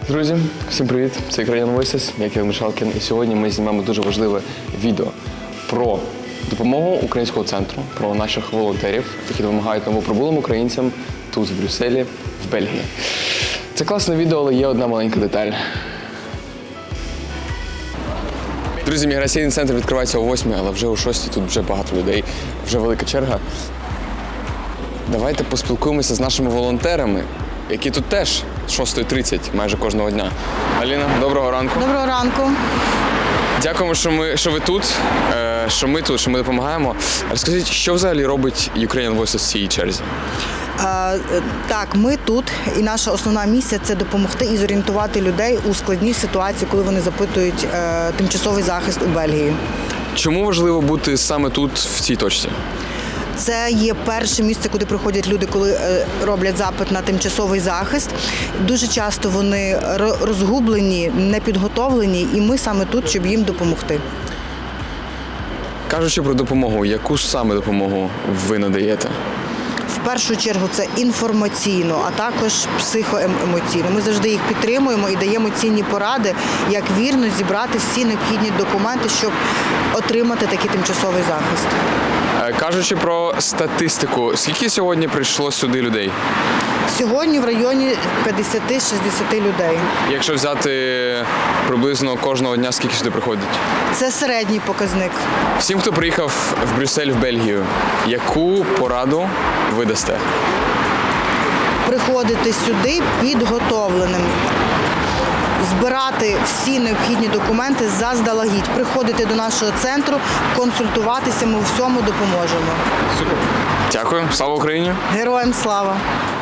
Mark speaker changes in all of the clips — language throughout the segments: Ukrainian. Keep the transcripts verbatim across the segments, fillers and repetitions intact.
Speaker 1: Друзі, всім привіт! Це Ukrainian Voices, я Кирил Мішалкін, і сьогодні ми знімаємо дуже важливе відео про допомогу українського центру, про наших волонтерів, які допомагають новоприбулим українцям тут, в Брюсселі, в Бельгії. Це класне відео, але є одна маленька деталь. Друзі, міграційний центр відкривається о восьмій, але вже о шостій тут вже багато людей, вже велика черга. Давайте поспілкуємося з нашими волонтерами, які тут теж з шостої тридцять майже кожного дня. Аліна, доброго ранку.
Speaker 2: Доброго ранку.
Speaker 1: Дякуємо, що, ми, що ви тут, що ми тут, що ми допомагаємо. Розкажіть, що взагалі робить Ukrainian Voices в цій черзі?
Speaker 2: А, так, ми тут, і наша основна місія – це допомогти і зорієнтувати людей у складній ситуації, коли вони запитують е, тимчасовий захист у Бельгії.
Speaker 1: Чому важливо бути саме тут, в цій точці?
Speaker 2: Це є перше місце, куди приходять люди, коли е, роблять запит на тимчасовий захист. Дуже часто вони розгублені, непідготовлені, і ми саме тут, щоб їм допомогти.
Speaker 1: Кажучи про допомогу, яку ж саме допомогу ви надаєте?
Speaker 2: В першу чергу це інформаційно, а також психоемоційно. Ми завжди їх підтримуємо і даємо цінні поради, як вірно зібрати всі необхідні документи, щоб отримати такий тимчасовий захист.
Speaker 1: Кажучи про статистику, скільки сьогодні прийшло сюди людей?
Speaker 2: Сьогодні в районі п'ятдесят-шістдесят людей.
Speaker 1: Якщо взяти приблизно кожного дня, скільки сюди приходять?
Speaker 2: Це середній показник.
Speaker 1: Всім, хто приїхав в Брюссель, в Бельгію, яку пораду ви дасте?
Speaker 2: Приходити сюди підготовленим. Збирати всі необхідні документи заздалегідь. Приходити до нашого центру, консультуватися, ми у всьому допоможемо.
Speaker 1: Супер. Дякую. Слава Україні!
Speaker 2: Героям слава!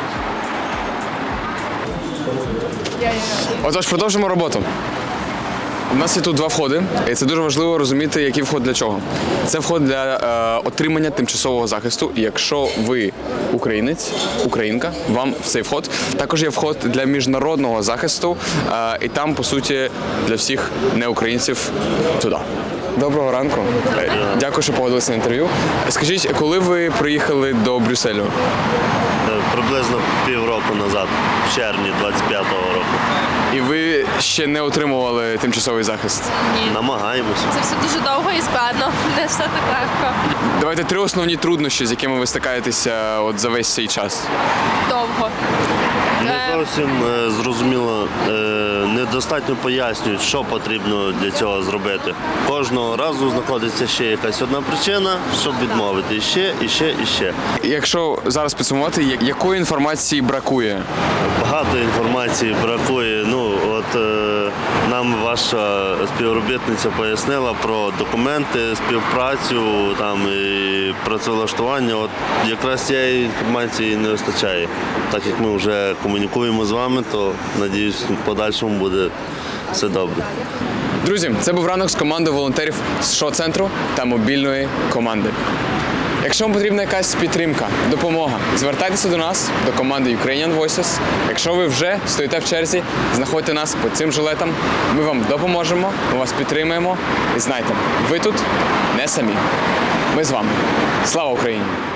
Speaker 1: Отож, продовжимо роботу. У нас є тут два входи, і це дуже важливо розуміти, який вход для чого. Це вход для е, отримання тимчасового захисту. І якщо ви українець, українка, вам в цей вход. Також є вход для міжнародного захисту, е, і там, по суті, для всіх неукраїнців туди. Доброго ранку. Дякую, що погодилися на інтерв'ю. Скажіть, коли ви приїхали до Брюсселю?
Speaker 3: Приблизно півроку назад, в червні двадцять п'ятого року.
Speaker 1: І ви ще не отримували тимчасовий захист?
Speaker 4: Ні.
Speaker 3: Намагаємося.
Speaker 4: Це все дуже довго і складно, не все так легко.
Speaker 1: Давайте три основні труднощі, з якими ви стикаєтеся от за весь цей час.
Speaker 4: Довго.
Speaker 3: Не
Speaker 4: Е,
Speaker 3: зовсім е, зрозуміло, е, недостатньо пояснюють, що потрібно для цього зробити. Кожного разу знаходиться ще якась одна причина, щоб відмовити. І ще, і ще, і ще.
Speaker 1: Якщо зараз підсумувати, я- якої інформації бракує?
Speaker 3: Багато інформації бракує. Ну, от е, нам ваша співробітниця пояснила про документи, співпрацю там і працевлаштування. От якраз цієї інформації не вистачає. Так як ми вже комунікуємо з вами, то надіюсь, в подальшому буде все добре.
Speaker 1: Друзі, це був ранок з командою волонтерів з шоу-центру та мобільної команди. Якщо вам потрібна якась підтримка, допомога, звертайтеся до нас, до команди Ukrainian Voices. Якщо ви вже стоїте в черзі, знаходьте нас по цим жилетам. Ми вам допоможемо, ми вас підтримуємо. І знайте, ви тут не самі. Ми з вами. Слава Україні!